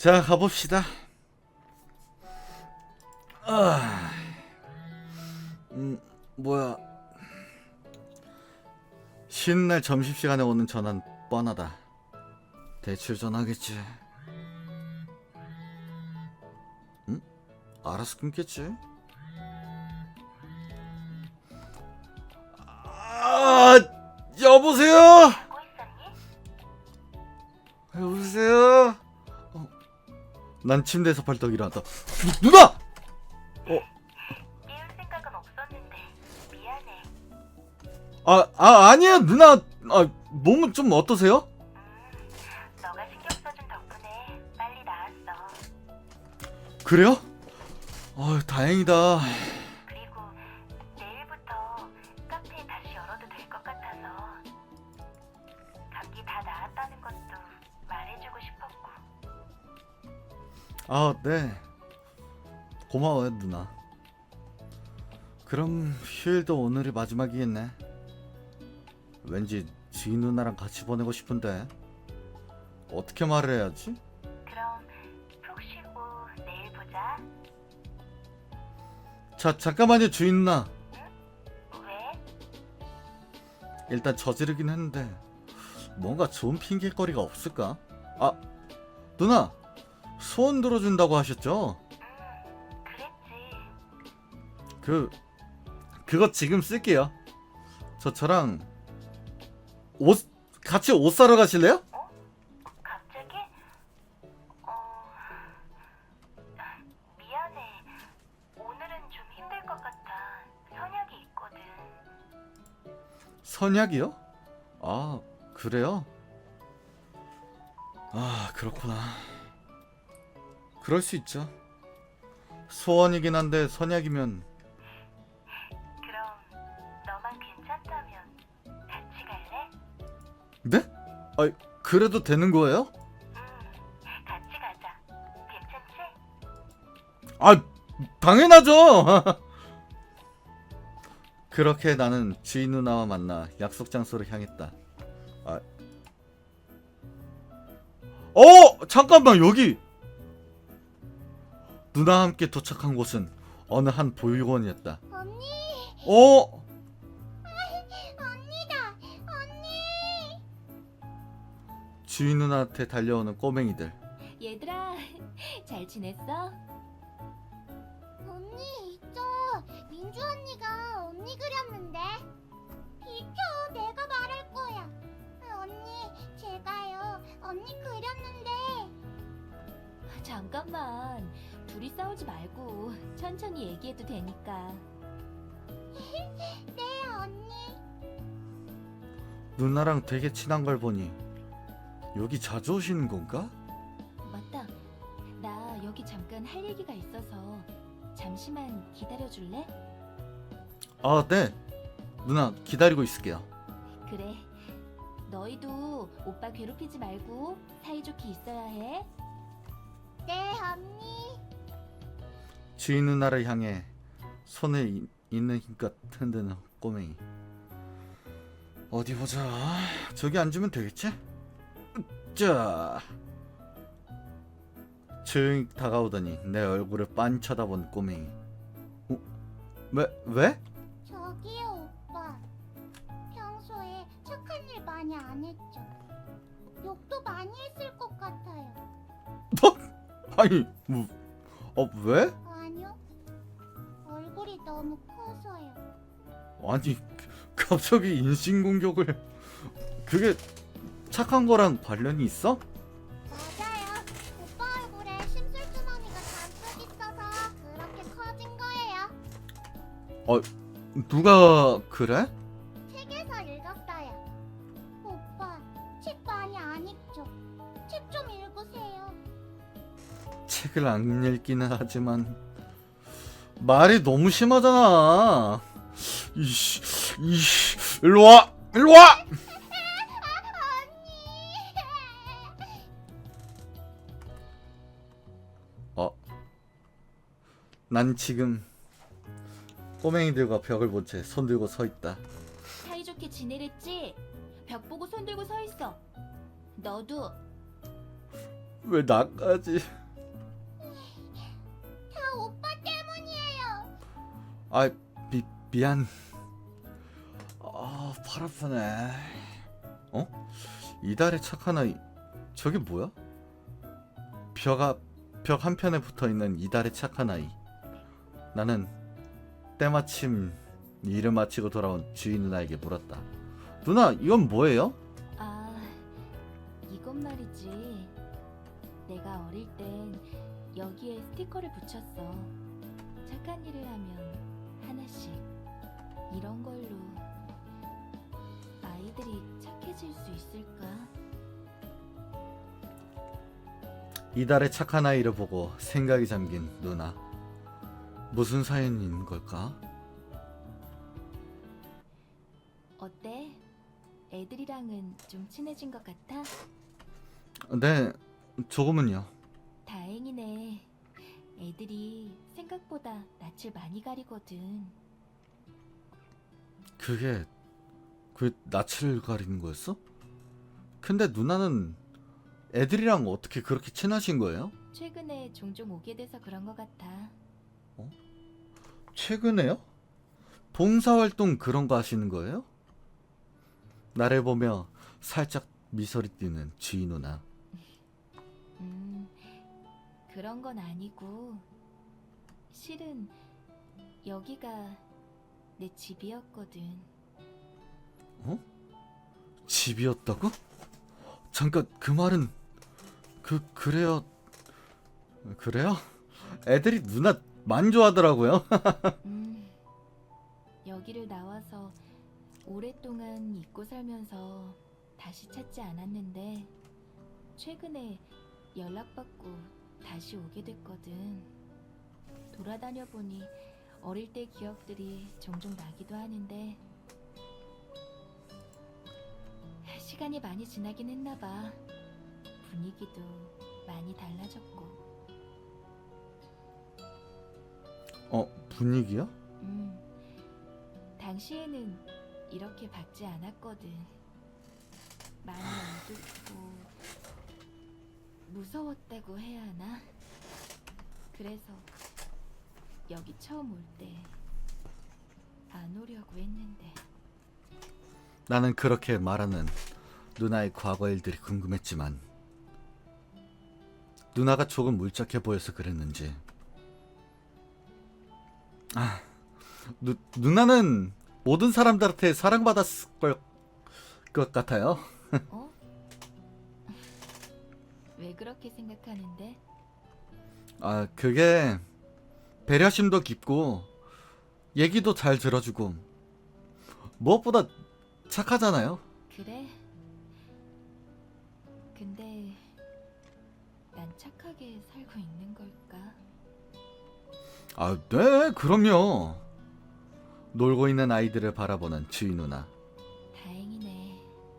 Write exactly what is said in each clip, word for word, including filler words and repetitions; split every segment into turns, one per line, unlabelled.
자, 가봅시다. 아, 음, 뭐야. 쉬는 날 점심시간에 오는 전화는 뻔하다. 대출 전화겠지. 응? 알아서 끊겠지. 아, 여보세요? 여보세요? 어, 난 침대에서 벌떡 일어났다. 누나! 어,
띄울 생각은 없었는데 미안해.
아, 아, 아니에요, 누나. 아, 몸은 좀 어떠세요?
음, 너가 신경 써준 덕분에 빨리 나았어.
그래요? 아, 다행이다.
그리고 내일부터 카페 다시 열어도 될 것 같아서 감기 다 나았다는 것도 말해주고 싶었고.
아, 네. 고마워요, 누나. 그럼 휴일도 오늘이 마지막이겠네. 왠지 지인 누나랑 같이 보내고 싶은데 어떻게 말을 해야지?
그럼 푹 쉬고 내일 보자.
자, 잠깐만요, 주인 누나.
왜?
일단 저지르긴 했는데 뭔가 좋은 핑계거리가 없을까? 아, 누나, 소원 들어준다고 하셨죠?
음, 그랬지.
그 그거 지금 쓸게요. 저 저랑 옷 같이 옷 사러 가실래요?
갑자기? 어... 미안해. 오늘은 좀 힘들 것 같아. 선약이 있거든.
선약이요? 아, 그래요? 아, 그렇구나. 그럴 수 있죠. 소원이긴 한데 선약이면.
그럼 너만 괜찮다면 같이 갈래?
네? 아, 그래도 되는 거예요?
응, 같이 가자. 괜찮지?
아, 당연하죠. 그렇게 나는 주인 누나와 만나 약속 장소로 향했다. 아, 어, 잠깐만, 여기. 누나와 함께 도착한 곳은 어느 한 보육원이었다.
언니,
어?
언니다, 언니.
주인 누나한테 달려오는 꼬맹이들.
얘들아, 잘 지냈어?
언니, 저 민주 언니가 언니 그렸는데. 비켜, 내가 말할 거야. 언니, 제가요, 언니 그렸는데.
잠깐만, 둘이 싸우지 말고 천천히 얘기해도 되니까.
네, 언니.
누나랑 되게 친한 걸 보니 여기 자주 오시는 건가?
맞다, 나 여기 잠깐 할 얘기가 있어서 잠시만 기다려줄래?
아, 네. 누나 기다리고 있을게요.
그래, 너희도 오빠 괴롭히지 말고 사이좋게 있어야 해.
네, 언니.
주인 누나를 향해 손에 이, 있는 힘껏 흔드는 꼬맹이. 어디 보자. 저기 앉으면 되겠지? 자. 조용히 다가오더니 내 얼굴을 빤 쳐다본 꼬맹이. 어? 왜? 왜?
저기요, 오빠. 평소에 착한 일 많이 안 했죠? 욕도 많이 했을 것 같아요.
아니, 뭐, 어, 왜?
아니요. 얼굴이 너무 커서요.
아니, 갑자기 인신공격을. 그게 착한 거랑 관련이 있어?
맞아요. 오빠 얼굴에 심술주머니가 잔뜩 있어서 그렇게 커진 거예요.
누가 그래?
책에서 읽었어요. 오빠, 책 많이 안 읽죠? 책 좀 읽으세요.
책을 안 읽기는 하지만 말이 너무 심하잖아. 이씨, 이씨, 일로 와, 일로 와. 어, 난 지금 꼬맹이들과 벽을 본 채 손 들고 서 있다.
사이좋게 지내랬지? 벽 보고 손 들고 서 있어. 너도.
왜 나까지?
다 오빠 때문이에요.
아, 미 미안. 아, 팔 아프네. 어? 이달의 착한 아이. 저게 뭐야? 벽 앞, 벽 한편에 붙어 있는 이달의 착한 아이. 나는 때마침 일을 마치고 돌아온 주인 누나에게 물었다. 누나, 이건 뭐예요?
아, 이건 말이지. 내가 어릴 땐 여기에 스티커를 붙였어. 착한 일을 하면 하나씩. 이런 걸로 아이들이 착해질 수 있을까?
이달의 착한 아이를 보고 생각이 잠긴 누나. 무슨 사연인 걸까?
어때? 애들이랑은 좀 친해진 것 같아?
네, 조금은요.
다행이네. 애들이 생각보다 낯을 많이 가리거든.
그게 그 낯을 가리는 거였어? 근데 누나는 애들이랑 어떻게 그렇게 친하신 거예요?
최근에 종종 오게 돼서 그런 것 같아.
최근에요? 봉사활동 그런 거 하시는 거예요? 나를 보며 살짝 미소리 띄는 주인 누나.
음, 그런 건 아니고, 실은 여기가 내 집이었거든.
어? 집이었다고? 잠깐, 그 말은 그 그래요. 그래요? 애들이 누나 많이 좋아하더라고요.
음, 여기를 나와서 오랫동안 잊고 살면서 다시 찾지 않았는데, 최근에 연락받고 다시 오게 됐거든. 돌아다녀 보니 어릴 때 기억들이 종종 나기도 하는데, 시간이 많이 지나긴 했나 봐. 분위기도 많이 달라졌고.
어, 분위기요?
음, 당시에는 이렇게 밝지 않았거든. 많이 어둡고 무서웠다고 해야 하나? 그래서 여기 처음 올 때 안 오려고 했는데.
나는 그렇게 말하는 누나의 과거 일들이 궁금했지만 누나가 조금 울적해 보여서 그랬는지 아, 누, 누나는 모든 사람들한테 사랑받았을 걸, 것 같아요.
어? 왜 그렇게 생각하는데?
아, 그게 배려심도 깊고 얘기도 잘 들어주고 무엇보다 착하잖아요.
그래? 근데 난 착하게 살고 있는 걸까?
아, 네, 그럼요. 놀고 있는 아이들을 바라보는 주인 누나.
다행이네.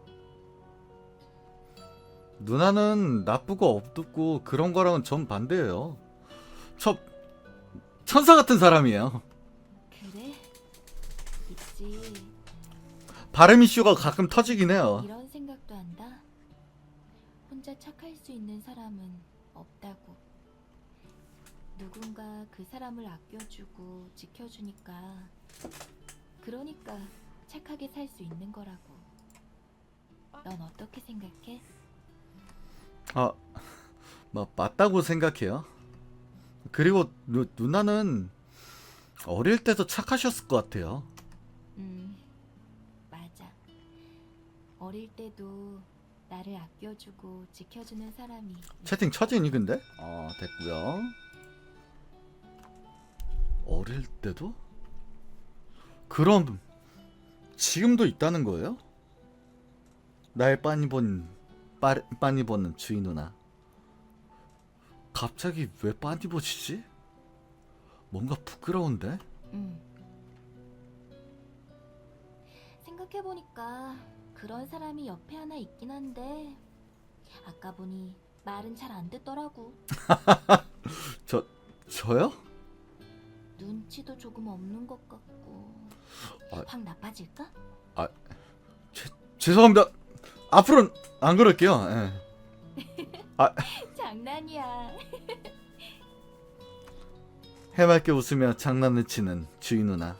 누나는 나쁘고 어둡고 그런 거랑은 전 반대예요. 저 천사 같은 사람이에요.
그래? 있지.
발음 이슈가 가끔 터지긴 해요.
이런 생각도 한다. 혼자 착할 수 있는 사람은 없다고. 누군가 그 사람을 아껴주고 지켜주니까, 그러니까 착하게 살 수 있는 거라고. 넌 어떻게 생각해?
아, 뭐 맞다고 생각해요. 그리고 누, 누나는 어릴 때도 착하셨을 것 같아요.
음, 맞아. 어릴 때도 나를 아껴주고 지켜주는 사람이.
채팅 처지니 근데? 어, 됐고요. 어릴 때도? 그럼 지금도 있다는 거예요? 날 빤히 본 빠, 빤히 보는 주인 누나. 갑자기 왜 빤히 보시지? 뭔가 부끄러운데?
음. 생각해보니까 그런 사람이 옆에 하나 있긴 한데, 아까 보니 말은 잘 안 듣더라고.
저 저요?
눈치도 조금 없는 것 같고.
아.
확 나빠질까?
죄송합니다. 앞으로는 안 그럴게요. 예.
장난이야.
해맑게 웃으며 장난을 치는 주희 누나.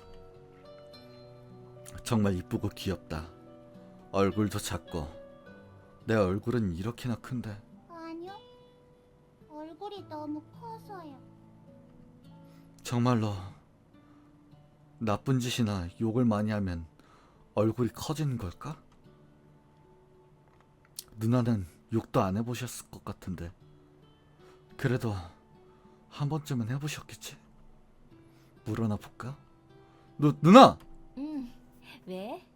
정말 이쁘고 귀엽다. 얼굴도 작고. 내 얼굴은 이렇게나 큰데.
아니요. 얼굴이 너무 커서요.
정말로 나쁜 짓이나 욕을 많이 하면 얼굴이 커지는 걸까? 누나는 욕도 안 해보셨을 것 같은데. 그래도 한 번쯤은 해보셨겠지? 물어나 볼까? 누, 누나!
응. 왜?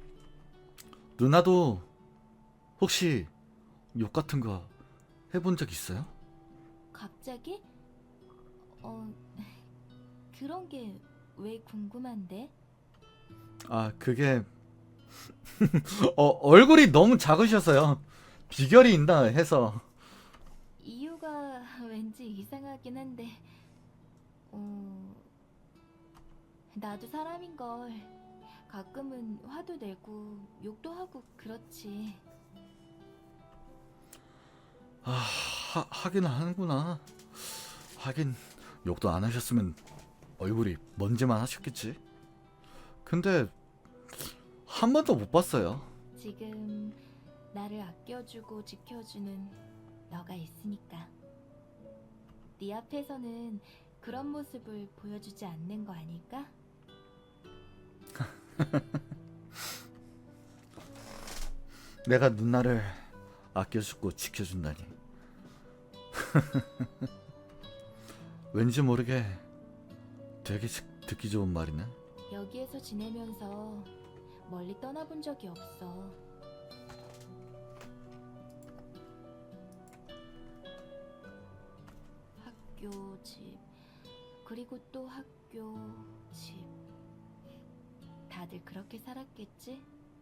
누나도 혹시 욕 같은 거 해본 적 있어요?
갑자기? 어, 그런 게 왜 궁금한데?
아, 그게 어, 얼굴이 너무 작으셔서요. 비결이 있나 해서.
이유가 왠지 이상하긴 한데, 어, 나도 사람인걸. 가끔은 화도 내고 욕도 하고 그렇지.
아, 하, 하긴 하는구나. 하긴 욕도 안 하셨으면 얼굴이 먼지만 하셨겠지. 근데 한 번도 못 봤어요.
지금 나를 아껴주고 지켜주는 너가 있으니까. 네 앞에서는 그런 모습을 보여주지 않는 거 아닐까?
내가 누나를 아껴주고 지켜준다니. 왠지 모르게 되게 듣기 좋은 말이네.
여기에서 지내면서 멀리 떠나본 적이 없어. 학교, 집, 그리고 또 학교, 집. 다들 그렇게 살았겠지?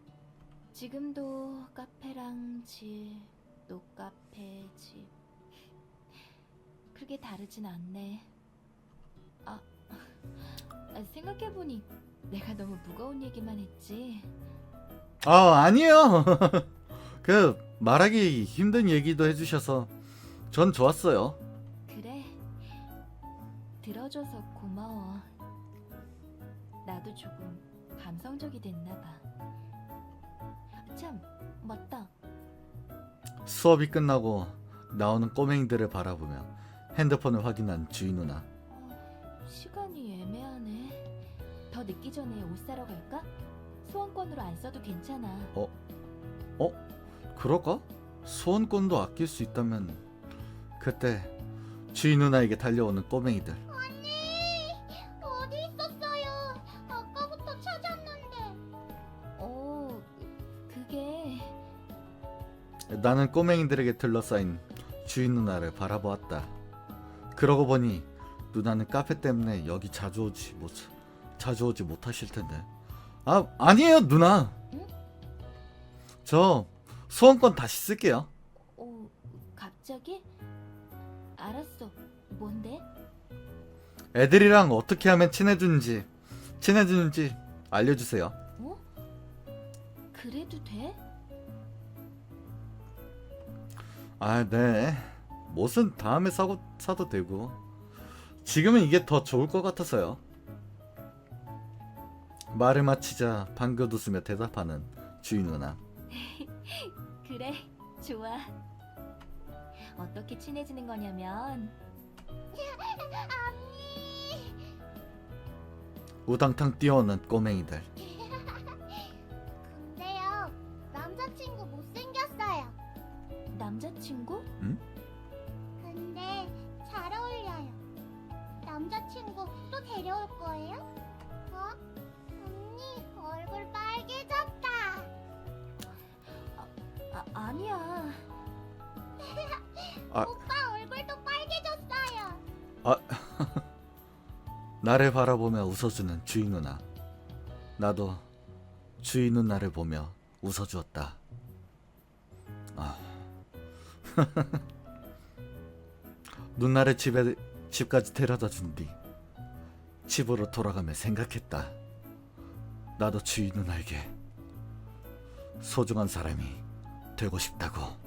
지금도 카페랑 집, 또 카페, 집. 크게 다르진 않네. 아, 아, 생각해보니 내가 너무 무거운 얘기만 했지.
아, 아니에요. 그 말하기 힘든 얘기도 해주셔서 전 좋았어요.
그래. 들어줘서 고마워. 나도 조금 감성적이 됐나봐. 참, 맞다.
수업이 끝나고 나오는 꼬맹이들을 바라보며 핸드폰을 확인한 주희 누나.
어, 시간이 애매하네. 더 늦기 전에 옷 사러 갈까? 소원권으로 안 써도 괜찮아.
어? 그럴까? 소원권도 아낄 수 있다면. 그때 주희 누나에게 달려오는 꼬맹이들.
언니! 어디 있었어요? 아까부터 찾았는데.
어, 그게...
나는 꼬맹이들에게 둘러싸인 주희 누나를 바라보았다. 그러고 보니 누나는 카페 때문에 여기 자주 오지 못 자주 오지 못하실 텐데. 아, 아니에요, 누나.
응?
저 소원권 다시 쓸게요.
어, 갑자기? 알았어. 뭔데?
애들이랑 어떻게 하면 친해지는지 친해지는지 알려주세요.
어? 그래도 돼?
아, 네. 옷은 다음에 사고 사도 되고. 지금은 이게 더 좋을 것 같아서요. 말을 마치자 방긋 웃으며 대답하는 주희 누나.
그래, 좋아. 어떻게 친해지는 거냐면
언니!
우당탕 뛰어오는 꼬맹이들.
근데요, 남자친구 못생겼어요.
남자친구?
근데 잘 어울려요. 남자친구 또 데려올 거예요? 어? 언니, 얼굴 빨개졌다.
아, 아니야.
아.
오빠 얼굴도 빨개졌어요.
나를 바라보며 웃어주는 주희 누나. 나도 주희 누나를 보며 웃어주었다. 아. 누나를 집에 집까지 데려다 준 뒤 집으로 돌아가며 생각했다. 나도 주희 누나에게 소중한 사람이 되고 싶다고.